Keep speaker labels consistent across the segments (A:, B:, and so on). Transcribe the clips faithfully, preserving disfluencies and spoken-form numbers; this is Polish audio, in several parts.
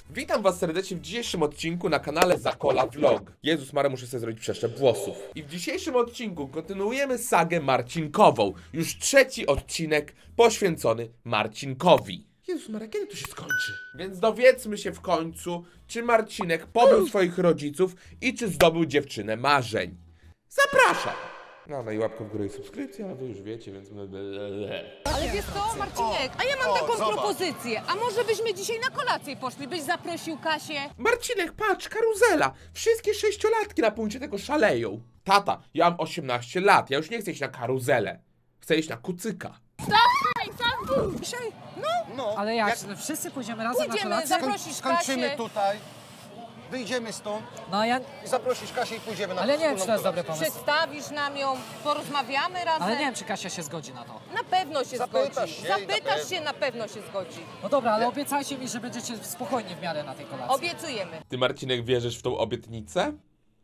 A: Witam was serdecznie w dzisiejszym odcinku na kanale Zakola Vlog. Jezus Maria, muszę sobie zrobić przeszczep włosów. I w dzisiejszym odcinku kontynuujemy sagę Marcinkową. Już trzeci odcinek poświęcony Marcinkowi. Jezus Maria, kiedy to się skończy? Więc dowiedzmy się w końcu, czy Marcinek pobył swoich rodziców i czy zdobył dziewczynę marzeń. Zapraszam! No, no i łapkę w górę i subskrypcja, a wy już wiecie, więc...
B: Ale wiesz co, Marcinek, a ja mam
C: o,
B: taką
C: zobacz.
B: propozycję. A może byśmy dzisiaj na kolację poszli? Byś zaprosił Kasię?
A: Marcinek, patrz, karuzela! Wszystkie sześciolatki na punkcie tego szaleją. Tata, ja mam osiemnaście lat, ja już nie chcę iść na karuzelę. Chcę iść na kucyka.
B: Dzisiaj?
C: No,
D: Ale jak? No wszyscy pójdziemy razem
B: Pójdziemy,
D: na kolację?
B: zaprosisz
C: skończymy
B: Kasię.
C: tutaj, wyjdziemy stąd
D: No ja...
C: i zaprosisz Kasię i pójdziemy na
D: Ale nie wiem, czy
C: wspólną
D: to jest dobry
C: kolację.
D: pomysł.
B: Przedstawisz nam ją, porozmawiamy razem.
D: Ale nie wiem, czy Kasia się zgodzi na to.
B: Na pewno się
C: Zapytasz
B: zgodzi.
C: się i na
B: Zapytasz
C: pewno.
B: się, na pewno się zgodzi.
D: No dobra, ale obiecajcie mi, że będziecie spokojni w miarę na tej kolacji.
B: Obiecujemy.
A: Ty, Marcinek, wierzysz w tą obietnicę?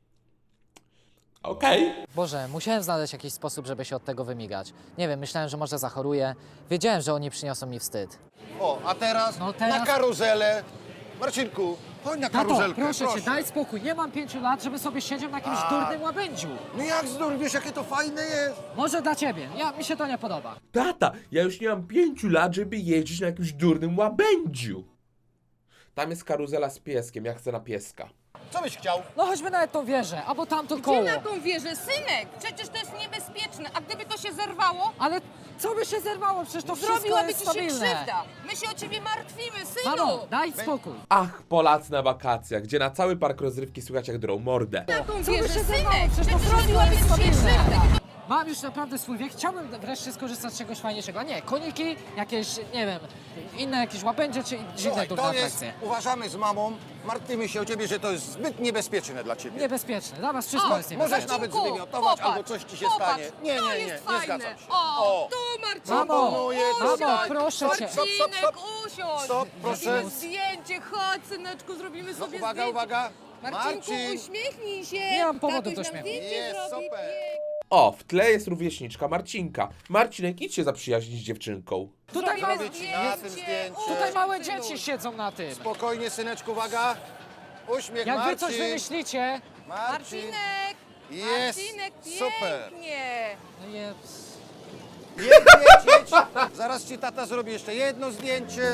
A: Okej.
D: Boże, musiałem znaleźć jakiś sposób, żeby się od tego wymigać. Nie wiem, myślałem, że może zachoruję. Wiedziałem, że oni przyniosą mi wstyd.
C: O, a teraz,
D: No teraz-
C: na karuzelę. Marcinku, chodź na
D: Tato,
C: karuzelkę,
D: proszę cię, daj spokój. Nie mam pięciu lat, żeby sobie siedział na jakimś durnym łabędziu.
C: No jak znów, wiesz jakie to fajne jest?
D: Może dla ciebie. Ja, mi się to nie podoba.
A: Tata, ja już nie mam pięciu lat, żeby jeździć na jakimś durnym łabędziu. Tam jest karuzela z pieskiem, ja chcę na pieska.
C: Co byś chciał?
D: No chodźmy nawet tą wieżę, albo tamto
B: Gdzie
D: koło.
B: na tą wieżę? Synek, przecież to jest niebezpieczne. A gdyby to się zerwało,
D: Ale co by się zerwało? Przecież to wszystko
B: zrobiłaby
D: jest
B: ci się
D: stabilne.
B: krzywda. My się o ciebie martwimy, synu.
D: Mamo, daj spokój.
A: Ach, Polacy na wakacjach, gdzie na cały park rozrywki słychać jak drą mordę.
B: Na tą
D: Co by
B: wieżę,
D: się zerwało?
B: synek,
D: Przecież to
B: przecież
D: wszystko
B: zrobiłaby
D: jest
B: ci się
D: stabilne.
B: krzywda.
D: Mam już naprawdę swój wiek, chciałbym wreszcie skorzystać z czegoś fajniejszego. A nie, koniki, jakieś, nie wiem, inne jakieś łapędzie czy inne
C: Słuchaj,
D: durne
C: to jest,
D: atrakcje.
C: uważamy z mamą, martwimy się o ciebie, że to jest zbyt niebezpieczne dla ciebie.
D: Niebezpieczne, dla was wszystko
B: O,
D: jest
C: Możesz
D: niebezpieczne.
C: nawet
B: Marcinku,
C: zwymiotować
B: popatrz,
C: albo coś ci się
B: popatrz,
C: stanie. Nie,
B: to
C: nie, nie,
B: jest
C: nie
B: fajne.
C: zgadzam się.
B: O,
C: O.
B: tu Marcinku,
D: Mamo,
C: Proponuję
D: mamo,
C: tutaj.
D: proszę cię.
C: Stop, stop, stop.
B: usiądź.
C: Stop, proszę.
B: Zrobimy zdjęcie, chodź syneczku, zrobimy
C: No,
B: sobie
C: uwaga,
B: zdjęcie.
C: uwaga.
B: Marcinku,
C: Marcin.
B: uśmiechnij się.
D: Nie mam powodu
B: Tatuś
D: do
B: nam
D: śmiechu.
B: zdjęcie
C: Jest,
B: zrobi.
C: super.
A: O, w tle jest rówieśniczka Marcinka. Marcinek, idź się zaprzyjaźnić z dziewczynką.
D: Tutaj,
B: Zrobimy
C: Zrobić na tym zdjęcie.
D: tutaj małe
B: Synu.
D: dzieci siedzą na tym.
C: Spokojnie, syneczku, uwaga. Uśmiech,
D: Jak wy
C: Marcin.
D: coś wymyślicie,
C: Marcin.
B: Marcinek,
C: Jest,
B: Marcinek,
C: super.
B: pięknie.
D: no jest...
C: Jedź, jedź, jedź. Zaraz ci tata zrobi jeszcze jedno zdjęcie.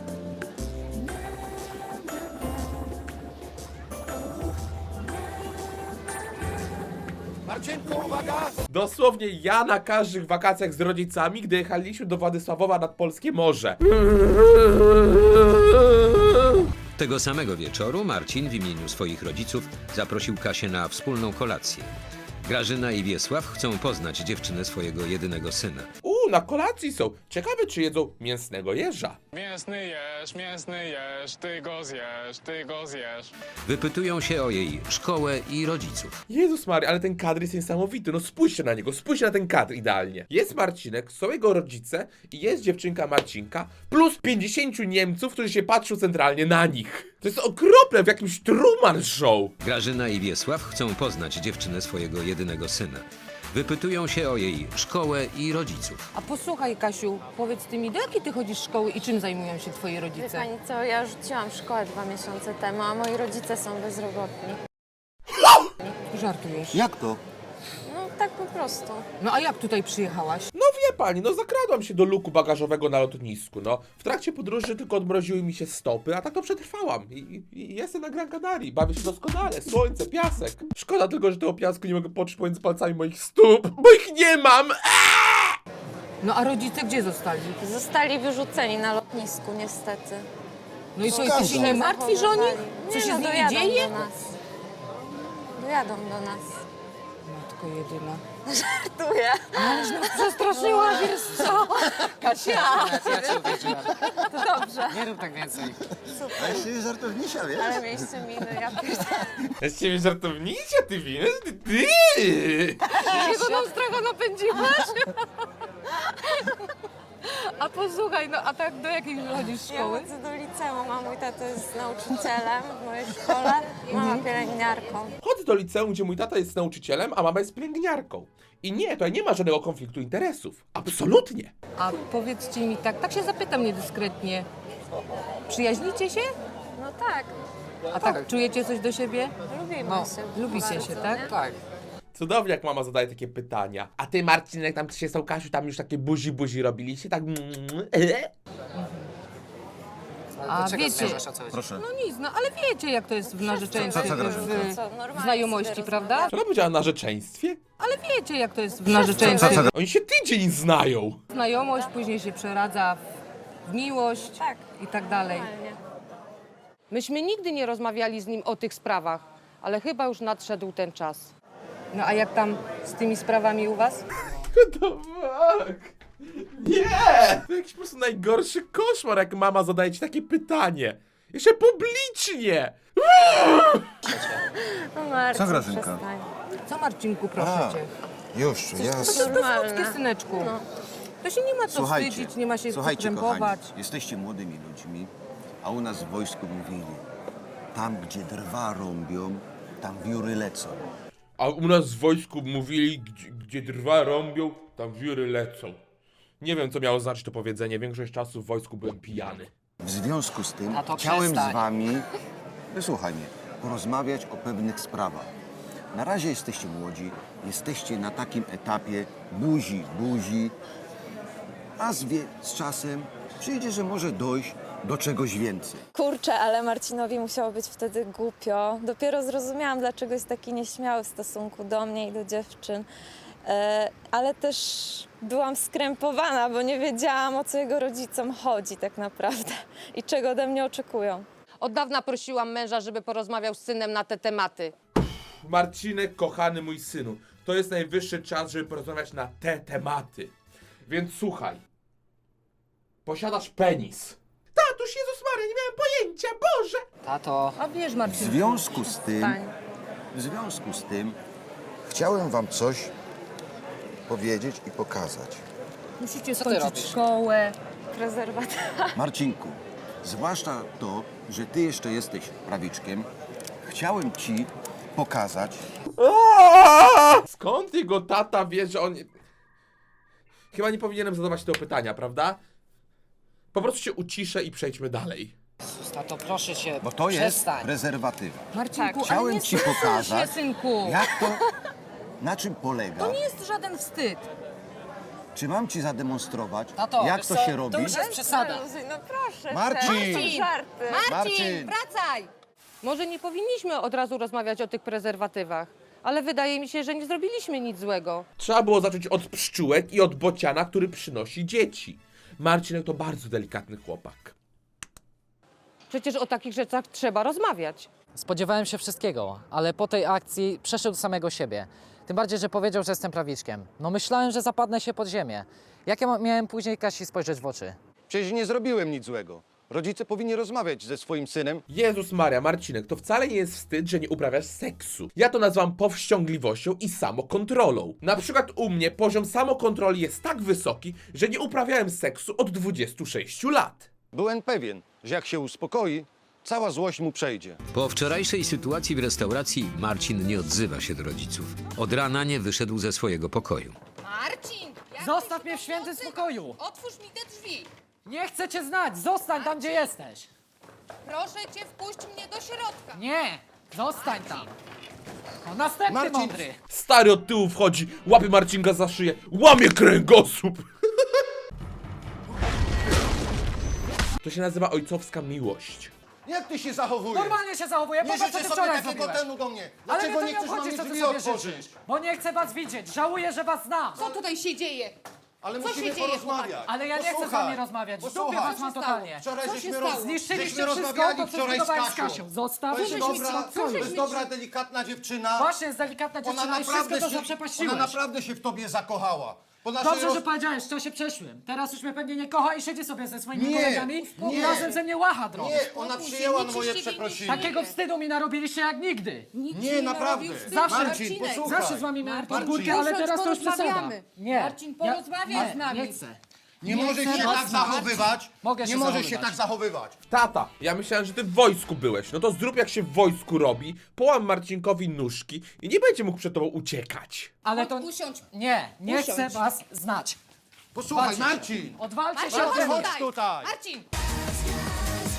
C: Marcinku, uwaga.
A: Dosłownie ja na każdych wakacjach z rodzicami, gdy jechaliśmy do Władysławowa nad Polskie Morze.
E: Tego samego wieczoru Marcin w imieniu swoich rodziców zaprosił Kasię na wspólną kolację. Grażyna i Wiesław chcą poznać dziewczynę swojego jedynego syna.
A: Uuu, na kolacji są. Ciekawe, czy jedzą mięsnego jeża.
F: Mięsny jesz, mięsny jesz, ty go zjesz, ty go zjesz.
E: Wypytują się o jej szkołę i rodziców.
A: Jezus Maria, ale ten kadr jest niesamowity. No spójrzcie na niego, spójrzcie na ten kadr idealnie. Jest Marcinek, są jego rodzice i jest dziewczynka Marcinka plus pięćdziesięciu Niemców, którzy się patrzą centralnie na nich. To jest okropne, w jakimś Truman Show.
E: Grażyna i Wiesław chcą poznać dziewczynę swojego jedynego syna. Wypytują się o jej szkołę i rodziców.
B: A posłuchaj, Kasiu, powiedz ty mi, do jakiej ty chodzisz szkoły i czym zajmują się twoi
G: Wie
B: rodzice?
G: pani co, ja rzuciłam szkołę dwa miesiące temu, a moi rodzice są bezrobotni.
B: Żartujesz.
C: Jak to?
G: No tak po prostu.
B: No a jak tutaj przyjechałaś?
A: No wie pani, no zakradłam się do luku bagażowego na lotnisku, no. W trakcie podróży tylko odmroziły mi się stopy, a tak to przetrwałam. I, i, i jestem na Gran Canaria, bawię się doskonale, słońce, piasek. Szkoda tylko, że tego piasku nie mogę poczuć pomiędzy palcami moich stóp, bo ich nie mam!
B: No a rodzice gdzie zostali?
G: Zostali wyrzuceni na lotnisku niestety.
B: No i co,
C: Skandal.
B: jesteś się nie martwisz o nich? Co
G: Nie,
B: się
G: no,
B: z nimi
G: dojadą
B: dzieje?
G: do nas. Dojadą do nas.
B: Matko jedyna.
G: Żartuję.
B: Przestraszyła, wiesz co? Kasia!
D: Ja cię uwierzyłem.
G: To dobrze.
D: Nie rób tak więcej.
C: A jeszcze żartownisia, wiesz?
G: Ale mieliście miny, ja pierdolę.
A: Ja z ciebie żartownicia, ty wiesz? Ty, ty!
B: Jakiego nam stracha napędziłaś? A posłuchaj, no a tak do jakiej chodzisz
G: Ja
B: szkoły?
G: chodzę do liceum, a mój tata jest nauczycielem w mojej szkole, mama pielęgniarką.
A: Chodzę do liceum, gdzie mój tata jest nauczycielem, a mama jest pielęgniarką. I nie, tutaj nie ma żadnego konfliktu interesów. Absolutnie.
B: A powiedzcie mi tak, tak się zapytam niedyskretnie. Przyjaźnicie się?
G: No No tak,
B: A tak, czujecie coś do siebie?
G: lubimy
B: No,
G: się.
B: lubicie
G: bardzo,
B: się, tak?
G: nie?
D: Tak.
A: Cudownie, jak mama zadaje takie pytania. A ty, Marcinek, tam się z tą Kasiu, tam już takie buzi buzi robiliście, tak...
B: A
D: Do czego
B: wiecie-
D: zmierzasz, o co chodzi?
C: Proszę.
B: No nic, no ale wiecie jak to jest w narzeczeństwie,
C: Co- co
B: w,
C: Grażynka?
B: w,
G: Co, normalnie
B: w znajomości,
G: sobie
B: prawda?
A: Czy ona powiedziała narzeczeństwie?
B: Ale wiecie jak to jest w narzeczeństwie.
C: Co- co-
A: Oni się tydzień znają.
B: Znajomość później się przeradza w, w miłość
G: Tak.
B: i tak dalej.
G: Normalnie.
B: Myśmy nigdy nie rozmawiali z nim o tych sprawach, ale chyba już nadszedł ten czas. No a jak tam z tymi sprawami u was?
A: To fuck? Nie! To jakiś po prostu najgorszy koszmar, jak mama zadaje ci takie pytanie. Jeszcze publicznie!
G: No Marcin,
C: Co, Grażynka?
G: przestań.
B: Co Marcinku, proszę
C: A,
B: cię?
C: Już,
B: To
C: jasne.
B: jest bezludzkie, syneczku. To się nie ma co
C: Słuchajcie,
B: wstydzić, nie ma się co
C: słuchajcie,
B: krępować.
C: kochani, jesteście młodymi ludźmi, a u nas w wojsku mówili, tam gdzie drwa rąbią, tam wióry lecą.
A: A u nas w wojsku mówili, gdzie, gdzie drwa rąbią, tam wióry lecą. Nie wiem, co miało znaczyć to powiedzenie. Większość czasu w wojsku byłem pijany.
C: W związku z tym
D: A to
C: chciałem
D: przestań.
C: z wami, wysłuchaj mnie, porozmawiać o pewnych sprawach. Na razie jesteście młodzi, jesteście na takim etapie buzi, buzi, a z, wie, z czasem przyjdzie, że może dojść do czegoś więcej.
G: Kurczę, ale Marcinowi musiało być wtedy głupio. Dopiero zrozumiałam, dlaczego jest taki nieśmiały w stosunku do mnie i do dziewczyn. E, ale też byłam skrępowana, bo nie wiedziałam, o co jego rodzicom chodzi tak naprawdę i czego ode mnie oczekują.
B: Od dawna prosiłam męża, żeby porozmawiał z synem na te tematy.
A: Marcinek, kochany mój synu, to jest najwyższy czas, żeby porozmawiać na te tematy. Więc słuchaj. Posiadasz penis. Tatuś, Jezus Maria, nie miałem pojęcia, Boże!
D: Tato,
B: A wiesz,
C: W
B: Marcinku,
C: związku z tym,
G: Stań.
C: w związku z tym chciałem wam coś powiedzieć i pokazać.
B: musicie
D: ty
B: skończyć
D: robisz?
B: szkołę.
G: Prezerwatywa.
C: Marcinku, zwłaszcza to, że ty jeszcze jesteś prawiczkiem, chciałem ci pokazać,
A: Skąd jego tata wie, że on... Chyba nie powinienem zadawać tego pytania, prawda? Po prostu się uciszę i przejdźmy dalej.
D: tato, proszę cię,
C: bo to jest
D: przestań.
C: prezerwatywa.
B: Marcinku, ale
C: Chciałem
B: nie
C: ci
B: wstydź
C: pokazać,
B: się, synku.
C: jak to, na czym polega.
B: To nie jest żaden wstyd.
C: Czy mam ci zademonstrować,
D: Tato,
C: jak
D: wiesz
C: to
D: co,
C: się
D: to
C: robi?
D: już jest przesada.
G: No proszę.
C: Marcin!
G: te- to są żarty.
C: Marcin!
B: wracaj! Może nie powinniśmy od razu rozmawiać o tych prezerwatywach, ale wydaje mi się, że nie zrobiliśmy nic złego.
A: Trzeba było zacząć od pszczółek i od bociana, który przynosi dzieci. Marcinek to bardzo delikatny chłopak.
B: Przecież o takich rzeczach trzeba rozmawiać.
D: Spodziewałem się wszystkiego, ale po tej akcji przeszedł do samego siebie. Tym bardziej, że powiedział, że jestem prawiczkiem. No myślałem, że zapadnę się pod ziemię. Jak ja ma- miałem później Kasi spojrzeć w oczy?
C: Przecież nie zrobiłem nic złego. Rodzice powinni rozmawiać ze swoim synem.
A: Jezus Maria, Marcinek, to wcale nie jest wstyd, że nie uprawiasz seksu. Ja to nazywam powściągliwością i samokontrolą. Na przykład u mnie poziom samokontroli jest tak wysoki, że nie uprawiałem seksu od dwudziestu sześciu lat.
C: Byłem pewien, że jak się uspokoi, cała złość mu przejdzie.
E: Po wczorajszej sytuacji w restauracji Marcin nie odzywa się do rodziców. Od rana nie wyszedł ze swojego pokoju.
B: Marcin!
D: Zostaw mnie w świętym spokoju!
B: Otwórz mi te drzwi!
D: Nie chcę cię znać! Zostań tam, gdzie jesteś!
B: Proszę cię, wpuść mnie do środka!
D: Nie! Zostań tam! O, następny
C: Marcin!
D: mądry!
A: Stary od tyłu wchodzi, łapie Marcinka za szyję, łamie kręgosłup. To się nazywa ojcowska miłość.
C: Jak ty się zachowujesz?
D: Normalnie się zachowuję,
C: Nie
D: popatrz, co
C: życzę
D: ty
C: sobie
D: wczoraj
C: takiego
D: zrobiłeś!
C: tenu do mnie.
D: Ale
C: Dlaczego
D: mnie
C: nie
D: to
C: chcesz
D: nie
C: nam
D: obchodzi, co ty
C: drzwi
D: sobie
C: otworzyć?
D: życzysz! Bo nie chcę was widzieć! Żałuję, że was znam!
B: Co tutaj się dzieje?
C: Ale
B: Co
C: musimy
B: się dzieje,
C: porozmawiać.
D: Ale ja nie chcę z
C: Posłuchaj,
D: wami rozmawiać! W dupie
C: posłuchaj.
D: was mam totalnie!
C: Wczoraj
B: Co
C: żeśmy,
B: się
C: roz...
B: stało?
D: Zniszczyliście
C: żeśmy
D: wszystko,
C: rozmawiali
D: to co
C: wczoraj z
D: zbudowałem z
C: Kasią.
D: Kasią. Zostawcie
C: To jest
D: mnie w
C: dobra,
D: spokoju.
C: to jest dobra, delikatna dziewczyna.
D: Właśnie, jest delikatna
C: Ona
D: dziewczyna i wszystko
C: naprawdę,
D: to
C: się,
D: zaprzepaściłeś.
C: ona naprawdę się w tobie zakochała. Po naszej
D: Dobrze,
C: roz...
D: że powiedziałeś w czasie przeszłym. Teraz już mnie pewnie nie kocha i siedzi sobie ze swoimi
C: Nie,
D: kolegami i
C: nie.
D: razem ze mnie łacha drogę.
C: Nie, ona przyjęła
B: nic
C: moje
B: z ciebie nie
C: przeprosiny.
D: Takiego wstydu mi narobiliście jak nigdy.
C: Nie, naprawdę.
D: Zawsze.
C: Marcin, posłuchaj.
D: Zawsze z wami miałem
C: Marcin.
D: podgórkę, ale
B: Usiądź,
D: teraz to już przesada.
B: porozmawiamy.
D: Nie.
B: Marcin, porozmawiaj
D: ja,
B: z nami.
D: Nie chcę.
C: Nie,
D: Nie
C: możesz
D: chcę
C: się
D: was
C: tak
D: znać.
C: zachowywać.
D: Mogę
C: nie
D: się
C: możesz
D: zachowywać.
C: się tak zachowywać.
A: Tata, ja myślałem, że ty w wojsku byłeś. No to zrób jak się w wojsku robi, połam Marcinkowi nóżki i nie będzie mógł przed tobą uciekać.
D: Ale to...
B: Usiądź.
D: Nie, nie
B: Usiądź.
D: chcę was znać.
C: Posłuchaj,
D: Walczcie.
C: Marcin.
D: Odwalcie się
B: Marcin,
D: ode mnie.
C: Chodź tutaj.
B: Marcin!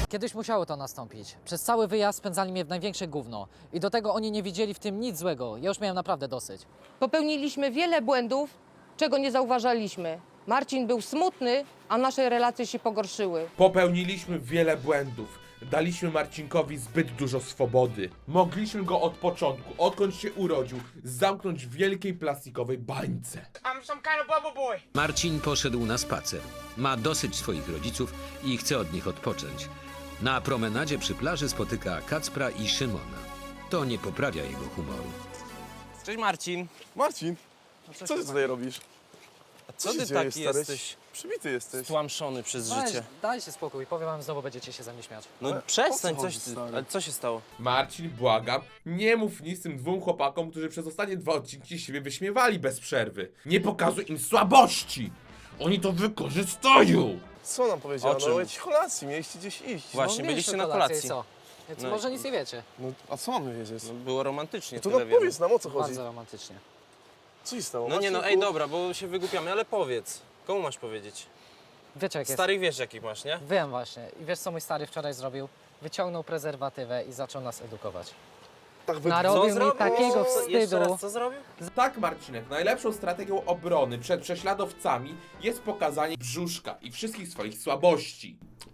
D: Kiedyś musiało to nastąpić. Przez cały wyjazd spędzali mnie w największe gówno. I do tego oni nie widzieli w tym nic złego. Ja już miałem naprawdę dosyć.
B: Popełniliśmy wiele błędów, czego nie zauważaliśmy. Marcin był smutny, a nasze relacje się pogorszyły.
A: Popełniliśmy wiele błędów. Daliśmy Marcinkowi zbyt dużo swobody. Mogliśmy go od początku, odkąd się urodził, zamknąć w wielkiej plastikowej bańce.
E: Marcin poszedł na spacer. Ma dosyć swoich rodziców i chce od nich odpocząć. Na promenadzie przy plaży spotyka Kacpra i Szymona. To nie poprawia jego humoru.
H: Cześć Marcin.
I: Marcin, co ty tutaj robisz?
H: A co
I: się
H: ty
I: dzieje,
H: taki
I: stary?
H: jesteś
I: Przybity jesteś.
H: stłamszony przez
D: Daj,
H: życie?
D: dajcie spokój, powiem wam, znowu będziecie się ze mnie śmiać.
H: No
I: Ale
H: przestań,
I: o co
H: coś
I: chodzi,
H: ty.
I: stary?
H: Ale co się stało?
A: Marcin, błagam, nie mów nic tym dwóm chłopakom, którzy przez ostatnie dwa odcinki siebie wyśmiewali bez przerwy. Nie pokazuj im słabości! Oni to wykorzystają!
I: Co nam powiedziała?
H: O czym?
I: No o jakiejś kolacji, mieliście gdzieś iść.
H: Właśnie,
D: No,
H: byliście
D: mieliśmy
H: na
D: kolację
H: kolacji.
D: i co? Więc
H: No
D: może
H: i-
D: nic nie wiecie.
I: No, a co mamy wiedzieć?
H: No, było romantycznie,
I: To
H: tyle
I: no
H: wiemy.
I: powiedz nam, o co chodzi.
D: Bardzo romantycznie.
I: Co się stało?
H: No nie no,
I: Marcinku?
H: ej dobra, bo się wygłupiamy, ale powiedz. Komu masz powiedzieć?
D: Wiecie jak jest?
H: Starych wiesz jakich masz, nie?
D: Wiem właśnie. I wiesz co mój stary wczoraj zrobił? Wyciągnął prezerwatywę i zaczął nas edukować.
I: Tak wy...
D: Narobił mi
H: zrobił?
D: takiego
H: Co? Jeszcze
D: wstydu.
H: raz, co zrobił?
A: Tak, Marcinek, najlepszą strategią obrony przed prześladowcami jest pokazanie brzuszka i wszystkich swoich słabości.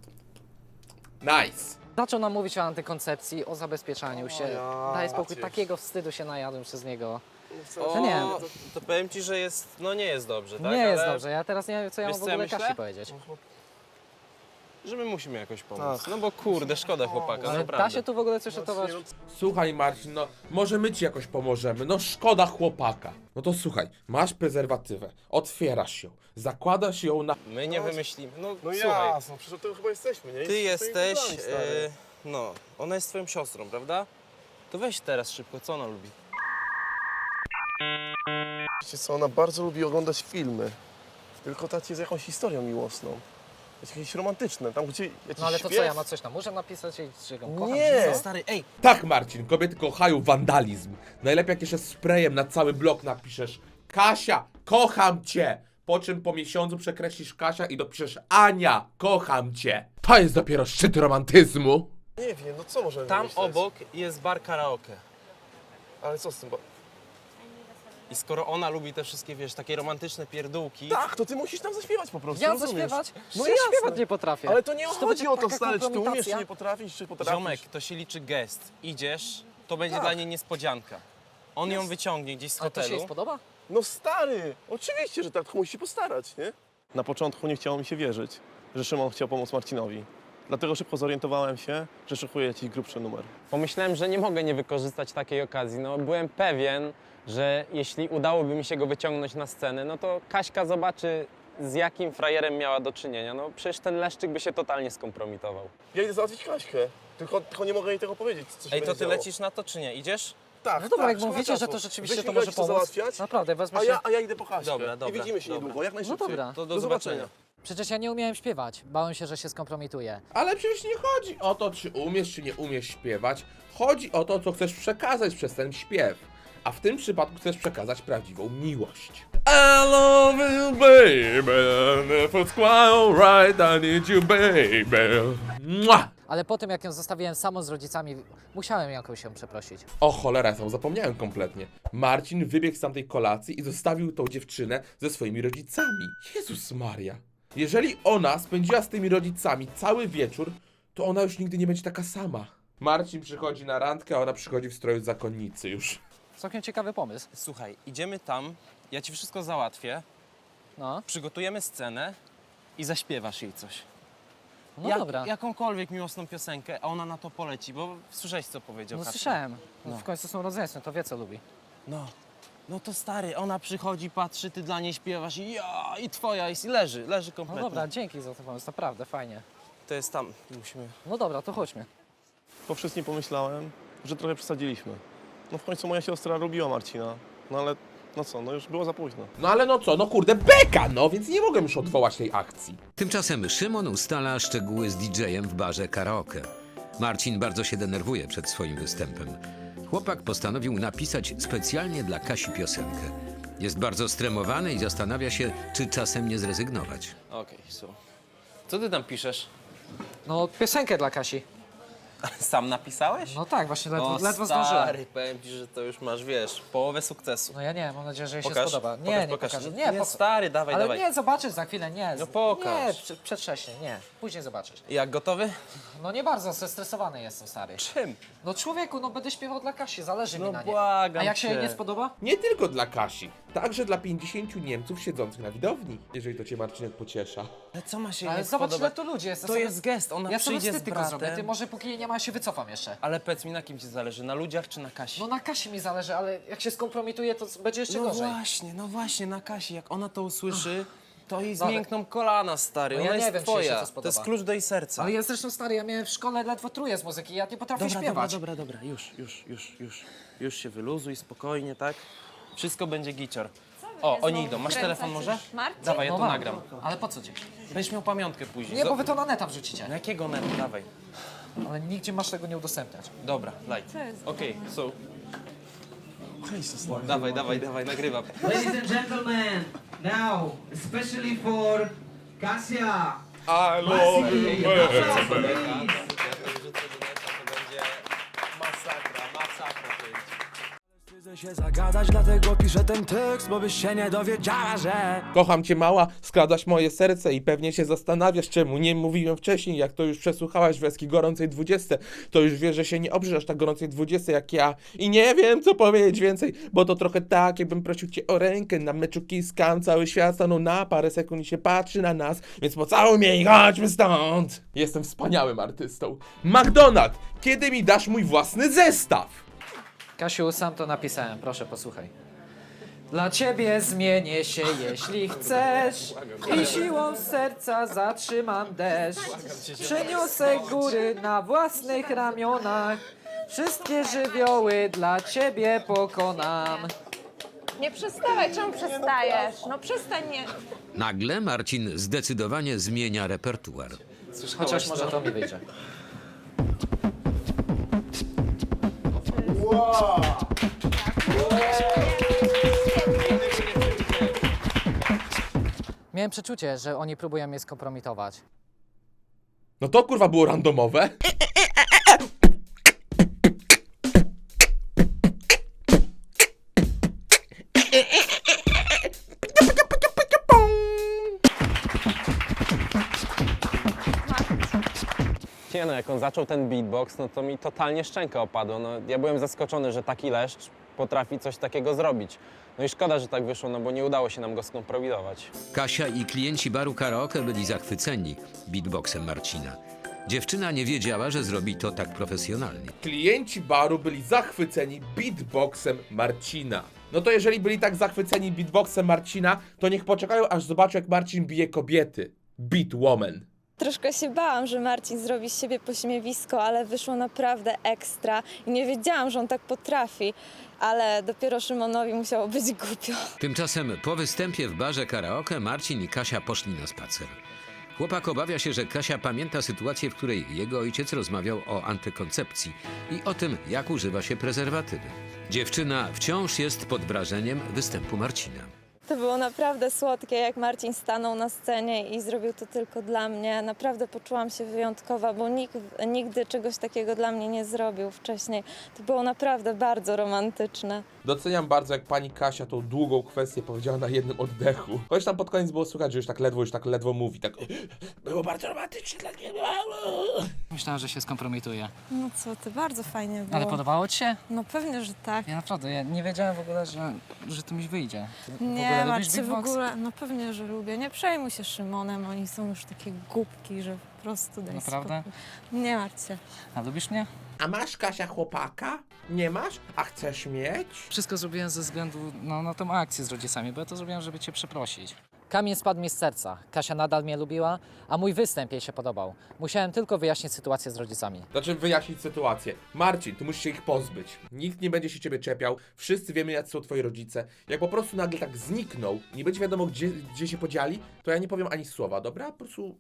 A: Nice.
D: Zaczął nam mówić o antykoncepcji, o zabezpieczaniu się.
I: ja
D: Daj spokój,
I: cię.
D: takiego wstydu się najadłem przez niego.
H: O,
D: No nie.
H: to, to powiem ci, że jest, no nie jest dobrze, tak?
D: nie jest
H: ale
D: dobrze, ja teraz nie wiem, co ja
H: Wiesz,
D: mam w
H: co ja
D: ogóle
H: myślę?
D: Kasi powiedzieć.
H: Że my musimy jakoś pomóc.
I: Tak.
H: No bo kurde, szkoda chłopaka,
D: Ale
H: naprawdę.
D: da się tu w ogóle coś ratować?
A: Słuchaj, Marcin, no może my ci jakoś pomożemy, no szkoda chłopaka. No to słuchaj, masz prezerwatywę, otwierasz ją, zakładasz ją na...
H: My nie wymyślimy. No,
I: No
H: słuchaj,
I: jasno, przecież od tego chyba jesteśmy, nie?
H: ty
I: Jesteśmy
H: jesteś,
I: tymi kumplami, stary.
H: e, no, ona jest twoją siostrą, prawda? To weź teraz szybko, co ona lubi?
I: Wiecie co, ona bardzo lubi oglądać filmy. Tylko takie z jakąś historią miłosną. Jakieś romantyczne, tam gdzie jakiś
D: No ale to
I: śpiew.
D: co, ja mam coś na muszę napisać i że ją kocham?
I: Nie.
D: czy co?
H: Stary, ej,
A: Tak, Marcin, kobiety kochają wandalizm. Najlepiej jak jeszcze sprayem na cały blok napiszesz Kasia, kocham cię! Po czym po miesiącu przekreślisz Kasia i dopiszesz Ania, kocham cię! To jest dopiero szczyt romantyzmu.
I: Nie wiem, no co możemy
H: tam
I: wymyśleć?
H: obok jest bar karaoke.
I: Ale co z tym? Bo...
H: I skoro ona lubi te wszystkie, wiesz, takie romantyczne pierdółki,
I: Tak, to ty musisz nam zaśpiewać po prostu,
D: Ja
I: rozumiesz?
D: zaśpiewać?
I: No
D: ja
I: jasne.
D: śpiewać nie potrafię.
I: Ale to nie
D: Czy
I: chodzi
D: będzie
I: o to,
D: taka
I: stary, czy ty umiesz, czy
D: kompromitacja?
I: nie potrafisz, czy potrafisz.
H: ziomek, to się liczy gest. Idziesz, to będzie
I: Tak.
H: dla niej niespodzianka. On ją wyciągnie gdzieś z
D: Ale to się jej
H: hotelu.
D: spodoba?
I: No stary, oczywiście, że tak, tylko musisz się postarać, nie? Na początku nie chciało mi się wierzyć, że Szymon chciał pomóc Marcinowi. Dlatego szybko zorientowałem się, że szykuję jakiś grubszy numer.
J: Pomyślałem, że nie mogę nie wykorzystać takiej okazji. No, byłem pewien, że jeśli udałoby mi się go wyciągnąć na scenę, no to Kaśka zobaczy, z jakim frajerem miała do czynienia. No przecież ten leszczyk by się totalnie skompromitował.
I: Ja idę załatwić Kaśkę, tylko, tylko nie mogę jej tego powiedzieć, co się
H: Ej, to
I: będzie
H: ty
I: działo.
H: lecisz na to czy nie? Idziesz?
I: Tak,
D: No dobra,
I: tak,
D: jak
I: szkoda
D: mówicie, że
I: czasu.
D: to rzeczywiście
I: Weź
D: to
I: mi
D: może
I: Kaśkę
D: pomóc.
I: załatwiać,
D: Naprawdę, wezmę
I: a
D: się...
I: ja, a ja idę po Kaśkę.
H: Dobra, dobra,
I: I widzimy się
H: dobra.
I: niedługo, jak najszybciej.
D: dobra.
H: To do,
I: Do
H: zobaczenia.
I: zobaczenia.
D: Przecież ja nie umiałem śpiewać. Bałem się, że się skompromituję.
A: Ale przecież nie chodzi o to, czy umiesz, czy nie umiesz śpiewać. Chodzi o to, co chcesz przekazać przez ten śpiew. A w tym przypadku chcesz przekazać prawdziwą miłość. I love you, baby. If it's quite right, I need you, baby. Mua!
D: Ale po tym, jak ją zostawiłem samą z rodzicami, musiałem jakoś ją przeprosić.
A: O cholera, ja sam zapomniałem kompletnie. Marcin wybiegł z tamtej kolacji i zostawił tą dziewczynę ze swoimi rodzicami. Jezus Maria. Jeżeli ona spędziła z tymi rodzicami cały wieczór, to ona już nigdy nie będzie taka sama. Marcin przychodzi na randkę, a ona przychodzi w stroju zakonnicy już.
D: Całkiem ciekawy pomysł.
H: Słuchaj, idziemy tam, ja ci wszystko załatwię,
D: No,
H: przygotujemy scenę i zaśpiewasz jej coś.
D: no
H: Jak-
D: dobra.
H: Jakąkolwiek miłosną piosenkę, a ona na to poleci, bo słyszałeś, co powiedział
D: No
H: Kacper.
D: słyszałem. No.
H: No.
D: W końcu są rodzeństwem, to wie co lubi.
H: No. No to stary, ona przychodzi, patrzy, ty dla niej śpiewasz i ja, i twoja, i leży, leży
D: No
H: kompletnie.
D: dobra, dzięki za ten pomysł, naprawdę, fajnie.
H: To jest tam, musimy...
D: No dobra, to chodźmy.
I: Po wszystkim pomyślałem, że trochę przesadziliśmy. No w końcu moja siostra lubiła Marcina, no ale no co, no już było za późno.
A: No ale no co, no kurde, beka, no, więc nie mogłem już odwołać tej akcji.
E: Tymczasem Szymon ustala szczegóły z didżejem w barze karaoke. Marcin bardzo się denerwuje przed swoim występem. Chłopak postanowił napisać specjalnie dla Kasi piosenkę. Jest bardzo stremowany i zastanawia się, czy czasem nie zrezygnować.
H: Okej, so. Co ty tam piszesz?
D: No, piosenkę dla Kasi.
H: Sam napisałeś?
D: No tak, właśnie ledwo,
H: O,
D: ledwo
H: stary,
D: zdążyłem.
H: powiem ci, że to już masz, wiesz, połowę sukcesu.
D: No ja nie, mam nadzieję, że jej się
H: Pokaż,
D: spodoba. Nie,
H: pokaż,
D: nie
H: pokaż.
D: pokażę.
H: Nie,
D: Nie, po...
H: stary, dawaj,
D: Ale
H: dawaj.
D: nie, zobaczysz za chwilę, nie.
H: No pokaż.
D: Nie, prze- przedwcześnie, nie. Później zobaczysz.
H: Jak, gotowy?
D: No nie bardzo, zestresowany jestem, stary.
H: Czym?
D: No człowieku, no będę śpiewał dla Kasi, zależy
H: No
D: mi na niej.
H: błagam
D: A jak się jej
H: cię.
D: nie spodoba?
A: Nie tylko dla Kasi, także dla pięćdziesięciu Niemców siedzących na widowni, jeżeli to cię Marcinek pociesza.
H: Ale co ma się
D: Ale
H: nie
D: zobacz, ile
H: spodobać?
D: tu ludzi jest.
H: To
D: sobie-
H: jest gest, ona
D: Ja sobie
H: przyjdzie
D: wstyd
H: z
D: tylko zrobię, ty
H: bratem.
D: może póki jej nie ma, się wycofam jeszcze.
H: Ale powiedz mi, na kim ci zależy? Na ludziach czy na Kasi?
D: No na Kasi mi zależy, ale jak się skompromituje, to będzie jeszcze
H: No
D: gorzej.
H: właśnie, no właśnie, na Kasi. Jak ona to usłyszy, to jej
D: Dobra.
H: zmiękną kolana, stary.
D: No
H: Ona
D: ja nie
H: jest
D: wiem, czy jej się
H: twoja.
D: to
H: To,
D: spodoba.
H: jest klucz do jej serca.
D: Ale ja zresztą stary, ja miałem w szkole ledwo truje z muzyki, ja nie potrafię
H: Dobra, dobra,
D: śpiewać.
H: dobra, dobra, już, już, już, już. Już się wyluzuj, spokojnie, tak? Wszystko będzie gicior. O, oni idą. Masz telefon może?
G: Marcin?
H: Dawaj, ja
D: No
H: to
D: mam.
H: nagram.
D: Ale po co ci?
H: Będziesz miał pamiątkę później.
D: Nie,
H: Zo-
D: bo wy to na neta wrzucicie.
H: Na jakiego netu? Dawaj.
D: Ale nigdzie masz tego nie udostępniać.
H: Dobra, light. Okej, so... Dawaj, dawaj, dawaj, nagrywam.
K: Ladies and gentlemen, now, especially for Kasia.
A: I love you,
K: Wstydzę się zagadać, dlatego piszę ten tekst, bo byś się nie dowiedziała, że...
A: Kocham cię mała, skradasz moje serce i pewnie się zastanawiasz, czemu nie mówiłem wcześniej. Jak to już przesłuchałaś wersji gorącej dwudziestej, to już wiesz, że się nie obrzesz tak gorącej dwudziestej jak ja. I nie wiem, co powiedzieć więcej, bo to trochę tak, jakbym prosił cię o rękę. Na meczu kiskam, cały świat stanął na parę sekund i się patrzy na nas, więc pocałuj mnie i chodźmy stąd. Jestem wspaniałym artystą. McDonald, kiedy mi dasz mój własny zestaw?
D: Kasiu, sam to napisałem, proszę posłuchaj. Dla ciebie zmienię się, jeśli chcesz, i siłą serca zatrzymam deszcz. Przeniosę góry na własnych ramionach, wszystkie żywioły dla ciebie pokonam.
G: Nie przestawaj, czemu przestajesz? No przestań, nie.
E: Nagle Marcin zdecydowanie zmienia repertuar.
D: Chociaż może to mi wyjdzie. Miałem przeczucie, że oni próbują mnie skompromitować.
A: No to kurwa było randomowe.
J: Nie no, jak on zaczął ten beatbox, no to mi totalnie szczęka opadła. No, ja byłem zaskoczony, że taki leszcz potrafi coś takiego zrobić. No i szkoda, że tak wyszło, no bo nie udało się nam go skompromitować.
E: Kasia i klienci baru karaoke byli zachwyceni beatboxem Marcina. Dziewczyna nie wiedziała, że zrobi to tak profesjonalnie.
A: Klienci baru byli zachwyceni beatboxem Marcina. No to jeżeli byli tak zachwyceni beatboxem Marcina, to niech poczekają, aż zobaczą, jak Marcin bije kobiety. Beat woman.
G: Troszkę się bałam, że Marcin zrobi z siebie pośmiewisko, ale wyszło naprawdę ekstra i nie wiedziałam, że on tak potrafi, ale dopiero Szymonowi musiało być głupio.
E: Tymczasem po występie w barze karaoke Marcin i Kasia poszli na spacer. Chłopak obawia się, że Kasia pamięta sytuację, w której jego ojciec rozmawiał o antykoncepcji i o tym, jak używa się prezerwatywy. Dziewczyna wciąż jest pod wrażeniem występu Marcina.
G: To było naprawdę słodkie, jak Marcin stanął na scenie i zrobił to tylko dla mnie. Naprawdę poczułam się wyjątkowa, bo nikt nigdy czegoś takiego dla mnie nie zrobił wcześniej. To było naprawdę bardzo romantyczne.
A: Doceniam bardzo, jak pani Kasia tą długą kwestię powiedziała na jednym oddechu. Chociaż tam pod koniec było słychać, że już tak ledwo, już tak ledwo mówi. Tak było bardzo romantycznie dla mnie.
D: Myślałem, że się skompromituje.
G: No co ty, bardzo fajnie było.
D: Ale podobało ci się?
G: No pewnie, że tak.
D: Ja naprawdę, ja nie wiedziałem w ogóle, że, że to mi wyjdzie. Ty w
G: Nie,
D: ogóle lubisz
G: Marcie, w
D: beatbox?
G: ogóle, no pewnie, że lubię. Nie przejmuj się Szymonem, oni są już takie głupki, że po prostu daj
D: Naprawdę?
G: spokój. Nie martw się.
D: A lubisz mnie?
A: A masz, Kasia, chłopaka? Nie masz? A chcesz mieć?
D: Wszystko zrobiłem ze względu no, na tą akcję z rodzicami, bo ja to zrobiłem, żeby cię przeprosić. Kamień spadł mi z serca. Kasia nadal mnie lubiła, a mój występ jej się podobał. Musiałem tylko wyjaśnić sytuację z rodzicami.
A: Znaczy wyjaśnić sytuację. Marcin, ty musisz się ich pozbyć. Nikt nie będzie się ciebie czepiał. Wszyscy wiemy, jacy są twoi rodzice. Jak po prostu nagle tak zniknął, nie będzie wiadomo, gdzie, gdzie się podzieli, to ja nie powiem ani słowa, dobra? Po prostu...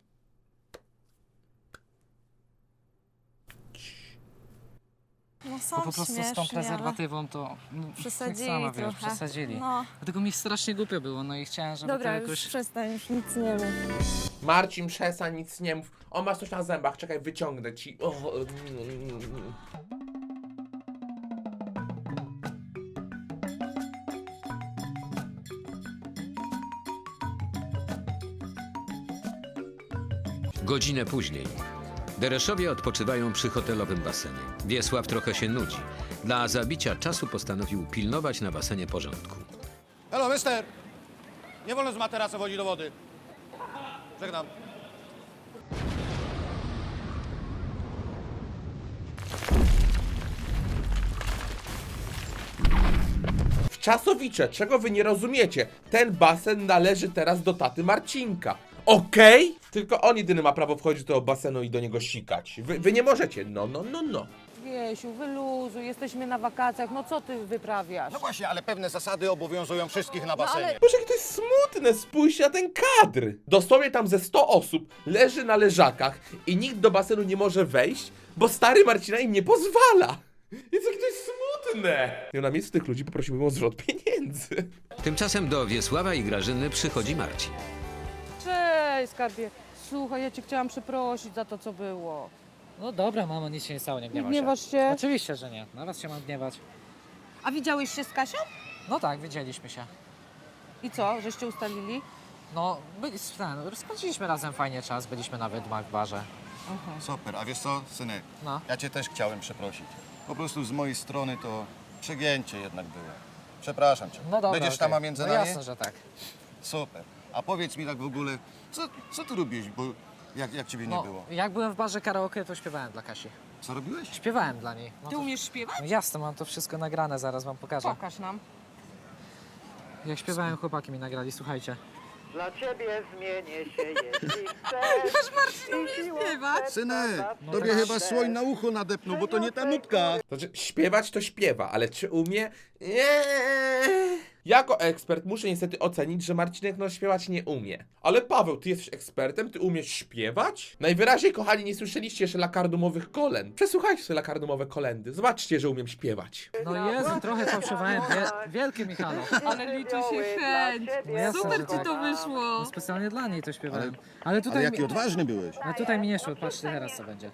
G: No są
D: Bo po prostu z tą
G: śmieszni,
D: prezerwatywą to... No,
G: ale przesadzili
D: sama wiesz,
G: trochę.
D: przesadzili.
G: No,
D: Dlatego mi strasznie głupio było, no i chciałem, żeby
G: dobra,
D: to
G: już
D: jakoś...
G: przestań, już nic nie mów.
A: Marcin, przestań, nic nie mów. O, masz coś na zębach, czekaj, wyciągnę ci. O,
E: Godzinę później. Dereszowie odpoczywają przy hotelowym basenie. Wiesław trochę się nudzi. Dla zabicia czasu postanowił pilnować na basenie porządku.
L: Hello, mister! Nie wolno z materaca wchodzić do wody. Żegnam.
A: W Czasowicze, czego wy nie rozumiecie? Ten basen należy teraz do taty Marcinka. Okej? Tylko on jedyny ma prawo wchodzić do tego basenu i do niego sikać. Wy, wy nie możecie. No, no, no, no.
B: Wiesiu, wyluzuj, jesteśmy na wakacjach, no co ty wyprawiasz?
L: No właśnie, ale pewne zasady obowiązują wszystkich na basenie.
B: ale-
A: Boże, jakie to jest smutne, spójrzcie na ten kadr. Dosłownie tam ze sto osób leży na leżakach i nikt do basenu nie może wejść, bo stary Marcina im nie pozwala. Jest jakie to jest smutne. Ja na miejscu tych ludzi poprosiłbym o zwrot pieniędzy.
E: Tymczasem do Wiesława i Grażyny przychodzi Marcin.
B: Cześć, skarbie. Słuchaj, ja cię chciałam przeprosić za to, co było.
D: No dobra, mamo, nic się nie stało, nie
B: Nie
D: gniewaj się.
B: gniewasz się?
D: Oczywiście, że nie. Na was się mam gniewać.
B: A widziałeś się z Kasią?
D: No tak, widzieliśmy się.
B: I co, żeście ustalili?
D: No, byli, ten, spędziliśmy razem fajnie czas, byliśmy na wydmach w barze.
L: Super, a wiesz co, synek?
D: No.
L: Ja cię też chciałem przeprosić. Po prostu z mojej strony to przegięcie jednak było. Przepraszam cię.
D: No dobra,
L: Będziesz tam
D: okej.
L: między
D: no
L: nami?
D: jasne, że tak.
L: Super. A powiedz mi tak w ogóle, co, co ty robiłeś, bo jak, jak ciebie nie
D: No,
L: było?
D: jak byłem w barze karaoke, to śpiewałem dla Kasi.
L: Co robiłeś?
D: Śpiewałem dla niej. No
B: Ty
D: to,
B: umiesz śpiewać?
D: no jasne, mam to wszystko nagrane, zaraz wam pokażę.
B: Pokaż nam.
D: Jak śpiewałem, chłopaki mi nagrali, słuchajcie.
M: Dla ciebie zmienię się, jeśli chcesz.
B: Śpiewać?
L: Synek,
D: No
L: tobie
D: tak.
L: chyba słoń na ucho nadepnął, bo to nie ta nutka.
A: Znaczy, śpiewać to śpiewa, ale czy umie? Nie. Jako ekspert muszę niestety ocenić, że Marcinek no śpiewać nie umie. Ale Paweł, ty jesteś ekspertem? Ty umiesz śpiewać? Najwyraźniej, kochani, nie słyszeliście jeszcze lakardumowych kolęd. Przesłuchajcie sobie lakardumowe kolendy. Zobaczcie, że umiem śpiewać.
D: No Jezu, trochę fałszywałem, Wie, wielkie Michalo.
B: Ale liczy się chęć.
D: No jasne,
B: Super
D: że
B: ci
D: tak.
B: to wyszło.
D: No specjalnie dla niej to śpiewałem. Ale tutaj,
L: Ale jaki
D: mi,
L: odważny byłeś.
D: no tutaj mi nie szło, patrzcie teraz co będzie.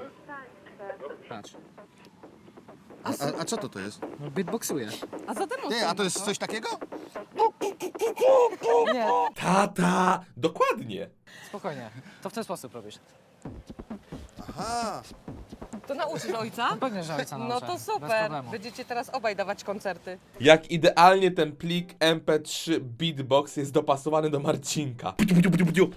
D: Patrz,
L: A, a, a co to to jest?
D: no beatboxuję.
B: A zatem
L: Ty, a to jest coś takiego?
D: Nie,
A: Tata! Dokładnie.
D: spokojnie, to w ten sposób robisz.
L: Aha.
B: To nauczysz ojca?
D: No pewnie, że ojca
B: No
D: nauczę,
B: to
D: bez
B: super.
D: problemu.
B: Będziecie teraz obaj dawać koncerty.
A: Jak idealnie ten plik M P trzy beatbox jest dopasowany do Marcinka. Budziu, budziu, budziu, budziu.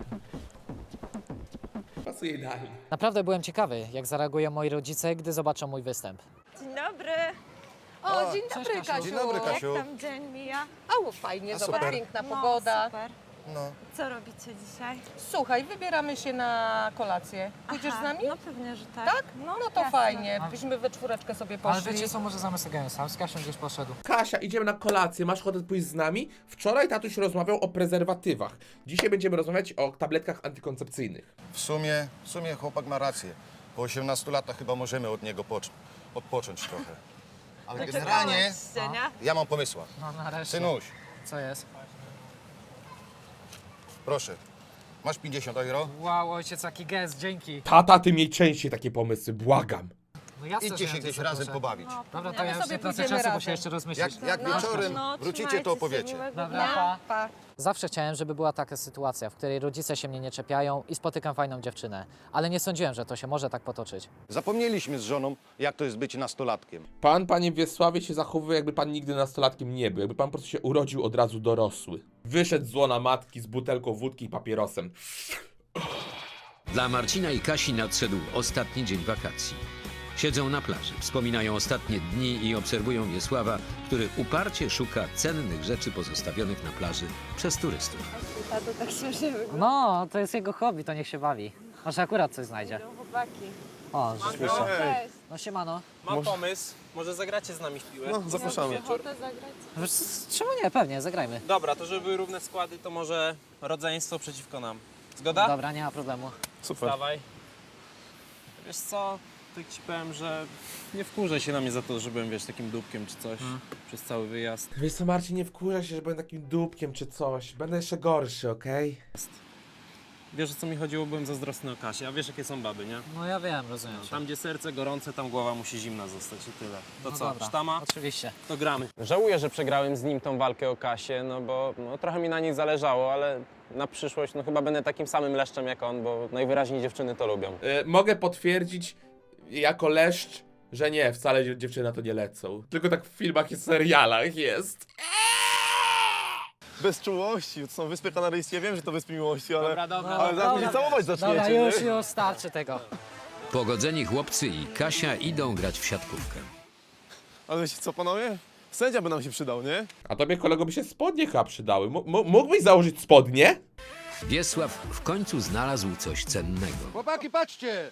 A: Pasuje idealnie.
D: Naprawdę byłem ciekawy, jak zareagują moi rodzice, gdy zobaczą mój występ.
G: Dzień dobry.
B: O, dzień
D: cześć,
B: dobry,
D: Kasiu.
B: Kasiu.
L: Dzień dobry, Kasiu.
G: Jak tam dzień mija?
B: A, fajnie,
L: A,
B: zobacz,
L: super.
B: piękna
G: No,
B: pogoda.
G: super.
L: No.
G: Co robicie dzisiaj?
B: Słuchaj, wybieramy się na kolację. Pójdziesz z nami?
G: No pewnie, że tak.
B: Tak? No, no to
G: jasne.
B: fajnie. Byśmy we czwóreczkę sobie poszli.
D: Ale wiecie co, może zamiast tego sam z Kasią gdzieś poszedł.
A: Kasia, idziemy na kolację, masz ochotę pójść z nami? Wczoraj tatuś rozmawiał o prezerwatywach. Dzisiaj będziemy rozmawiać o tabletkach antykoncepcyjnych.
L: W sumie, w sumie chłopak ma rację. Po osiemnastu latach chyba możemy od niego pocz- odpocząć trochę. Ale generalnie ja mam pomysła.
D: No nareszcie.
L: Synuś,
D: Co jest?
L: proszę. Masz pięćdziesiąt euro?
D: Wow, ojciec, jaki gest, dzięki.
A: Tata, ty miej częściej takie pomysły, błagam.
D: No jasne,
L: Idźcie
D: że
L: się
D: ja
L: gdzieś
D: cię
L: razem
D: zaproszę.
L: pobawić.
D: Dobra, to
B: No,
D: ja
B: my
D: już
B: sobie
D: nie tracę
B: pójdziemy
D: czasu, bo
B: razem.
D: się jeszcze rozmyślić.
L: Jak, jak
B: No,
L: wieczorem
G: No,
L: wrócicie,
G: trzymajcie
L: to
G: się,
L: opowiecie.
G: miłego
D: Dobra,
G: dnia.
D: pa.
B: Pa.
D: Zawsze chciałem, żeby była taka sytuacja, w której rodzice się mnie nie czepiają i spotykam fajną dziewczynę. Ale nie sądziłem, że to się może tak potoczyć.
L: Zapomnieliśmy z żoną, jak to jest być nastolatkiem.
A: Pan, panie Wiesławie, się zachowuje, jakby pan nigdy nastolatkiem nie był. Jakby pan po prostu się urodził od razu dorosły. Wyszedł z łona matki z butelką wódki i papierosem.
E: Dla Marcina i Kasi nadszedł ostatni dzień wakacji. Siedzą na plaży, wspominają ostatnie dni i obserwują Wiesława, który uparcie szuka cennych rzeczy pozostawionych na plaży przez turystów.
G: A to tak śmiesznie wygląda.
D: No, to jest jego hobby, to niech się bawi. Może akurat coś znajdzie.
G: Chłopaki.
D: O, rzeczywiście.
G: Cześć.
D: No siemano.
H: Mam pomysł, może zagracie z nami w piłę?
I: No, zapraszamy.
G: Ochotę zagrać?
D: Wiesz, czemu nie? Pewnie, zagrajmy.
H: Dobra, to żeby były równe składy, to może rodzeństwo przeciwko nam. Zgoda?
D: Dobra, nie ma problemu.
I: Super.
H: Dawaj. Wiesz co, tak ci powiem, że nie wkurzaj się na mnie za to, że byłem, wiesz, takim dupkiem czy coś przez cały wyjazd.
A: Wiesz co, Marcin, nie wkurza się, że będę takim dupkiem czy coś. Będę jeszcze gorszy, okej?
J: Wiesz, o co mi chodziło? Byłem zazdrosny o Kasię, a wiesz, jakie są baby, nie?
D: No ja wiem, rozumiem cię.
J: Tam, gdzie serce gorące, tam głowa musi zimna zostać i tyle. To
D: No
J: co,
D: dobra,
J: sztama?
D: oczywiście.
J: To gramy.
H: Żałuję, że przegrałem z nim tą walkę o Kasię, no bo no, trochę mi na niej zależało, ale na przyszłość no chyba będę takim samym leszczem jak on, bo najwyraźniej dziewczyny to lubią.
A: E, mogę potwierdzić jako leszcz, że nie, wcale dziew- dziewczyny na to nie lecą. Tylko tak w filmach i serialach jest.
I: Bez czułości, to są Wyspy Kanaryjskie, wiem, że to Wyspy Miłości, ale...
J: Dobra, dobra.
I: Ale zaraz mnie całować zaczniecie,
D: Dobra,
I: nie?
D: już, już, starczy tego.
E: Pogodzeni chłopcy i Kasia idą grać w siatkówkę.
I: Ale wiecie co, panowie? Sędzia by nam się przydał, nie?
A: A tobie, kolego, by się spodnie chyba przydały. M- m- mógłbyś założyć spodnie?
E: Wiesław w końcu znalazł coś cennego.
L: Chłopaki, patrzcie!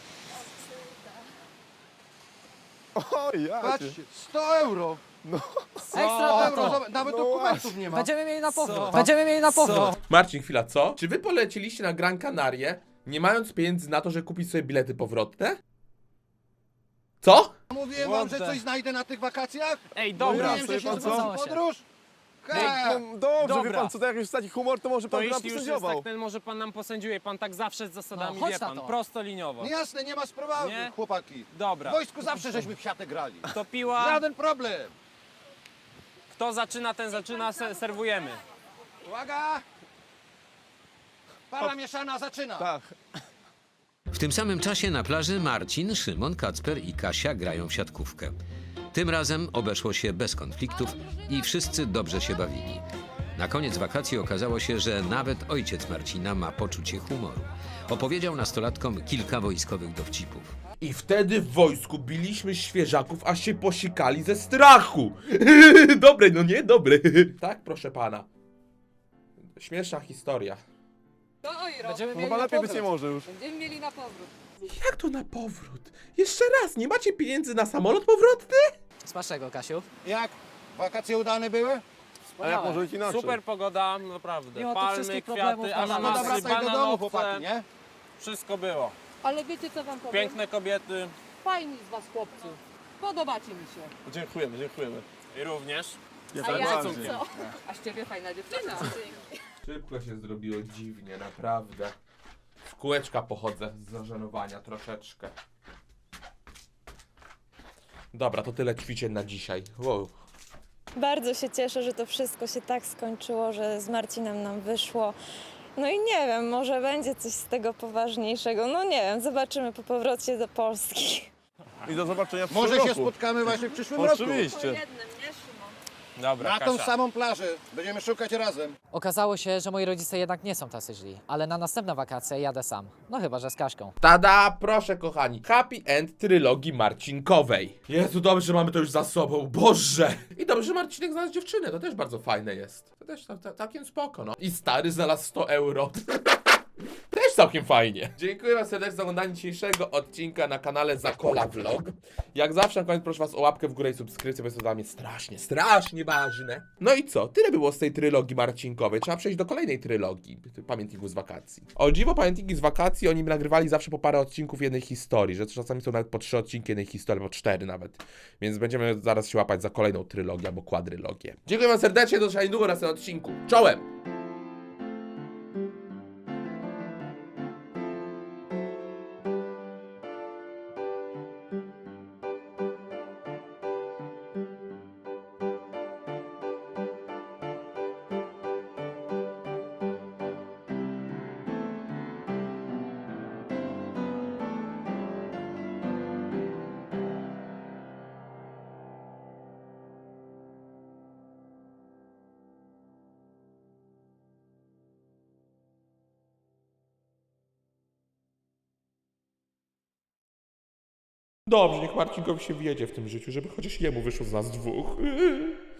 I: O, ja cię.
L: Patrzcie, sto euro!
D: Ekstra,
L: sto
D: tato.
L: euro, zobacz, nawet
I: No
L: dokumentów nie ma.
D: Będziemy mieli na powrót. Będziemy mieli na powrót.
A: Marcin, chwila, co? Czy wy poleciliście na Gran Canarie, nie mając pieniędzy na to, żeby kupić sobie bilety powrotne? Co?
L: Mówiłem wam, że coś znajdę na tych wakacjach?
J: Ej, dobra,
L: Mówiłem, że się
I: pan co?
L: zgodzę w podróż? He!
I: No, dobrze, wie
J: Dobra.
I: pan co, to jak już jest taki humor, to może
J: To
I: pan nam
J: jeśli już jest
I: posędziował.
J: tak, ten może pan nam posędziuje, pan tak zawsze z zasadami,
D: No, chodź
J: wie pan,
D: na to.
J: prosto liniowo.
L: No jasne, nie ma sprawy,
J: Nie?
L: chłopaki.
J: Dobra,
L: W wojsku zawsze żeśmy w siatę grali.
J: to piła,
L: Żaden problem.
J: kto zaczyna, ten zaczyna, se serwujemy.
L: Uwaga! Para mieszana zaczyna.
I: Tak.
E: W tym samym czasie na plaży Marcin, Szymon, Kacper i Kasia grają w siatkówkę. Tym razem obeszło się bez konfliktów i wszyscy dobrze się bawili. Na koniec wakacji okazało się, że nawet ojciec Marcina ma poczucie humoru. Opowiedział nastolatkom kilka wojskowych dowcipów.
A: I wtedy w wojsku biliśmy świeżaków, aż się posikali ze strachu. Dobre, no nie? Dobre. Tak, proszę pana. Śmieszna historia.
B: To oj,
D: Będziemy mieli
I: Chyba
D: na
I: lepiej być nie
D: powrót.
I: może już.
B: Będziemy mieli na powrót.
A: Jak to na powrót? Jeszcze raz, nie macie pieniędzy na samolot powrotny?
D: Smacznego, Kasiu.
L: Jak? Wakacje udane były?
I: A jak może być inaczej?
J: Super pogoda, naprawdę.
D: Mimo tych
J: Palmy,
D: wszystkich
J: kwiaty,
D: problemów,
L: No
J: ananasy,
L: dobra, wracaj do domu, chłopaki,
J: bananowce,
L: nie?
J: wszystko było.
B: Ale wiecie co wam powiem?
J: Piękne kobiety
B: Fajni z was chłopcy. Podobacie mi się.
I: Dziękujemy, dziękujemy.
J: i również.
I: Jak
B: A ja
I: najbardziej.
B: co? A z ciebie fajna dziewczyna.
A: Szybko się zrobiło dziwnie, naprawdę. W kółeczka pochodzę z zażenowania troszeczkę. Dobra, to tyle ćwiczeń na dzisiaj. Wow.
G: Bardzo się cieszę, że to wszystko się tak skończyło, że z Marcinem nam wyszło. No i nie wiem, może będzie coś z tego poważniejszego. No nie wiem, zobaczymy po powrocie do Polski.
I: I do zobaczenia w
L: Może
I: przyszłym
L: się
I: roku.
L: spotkamy właśnie w przyszłym roku.
I: Oczywiście.
J: Dobra,
L: Na tą
J: Kasia.
L: samą plażę. Będziemy szukać razem.
D: Okazało się, że moi rodzice jednak nie są tacy źli, ale na następne wakacje jadę sam. No chyba, że z Kaśką.
A: Tada, proszę kochani. Happy End trylogii Marcinkowej. Jezu, dobrze, że mamy to już za sobą. Boże! I dobrze, że Marcinek znalazł dziewczynę. To też bardzo fajne jest. To też ta, ta, całkiem spoko, no. I stary znalazł sto euro. Też całkiem fajnie. Dziękuję wam serdecznie za oglądanie dzisiejszego odcinka na kanale Zakola Vlog. Jak zawsze na koniec proszę was o łapkę w górę i subskrypcję, bo jest to dla mnie strasznie, strasznie ważne. No i co? Tyle było z tej trylogii Marcinkowej. Trzeba przejść do kolejnej trylogii. Pamiętniku z wakacji. O dziwo, pamiętniki z wakacji oni nagrywali zawsze po parę odcinków jednej historii, że czasami są nawet po trzy odcinki jednej historii, po cztery nawet. Więc będziemy zaraz się łapać za kolejną trylogię albo kwadrylogię. Dziękuję wam serdecznie, do zobaczenia niedługo na następnym odcinku. Czołem! Dobrze, niech Marcinkowi się wjedzie w tym życiu, żeby chociaż jemu wyszło z nas dwóch.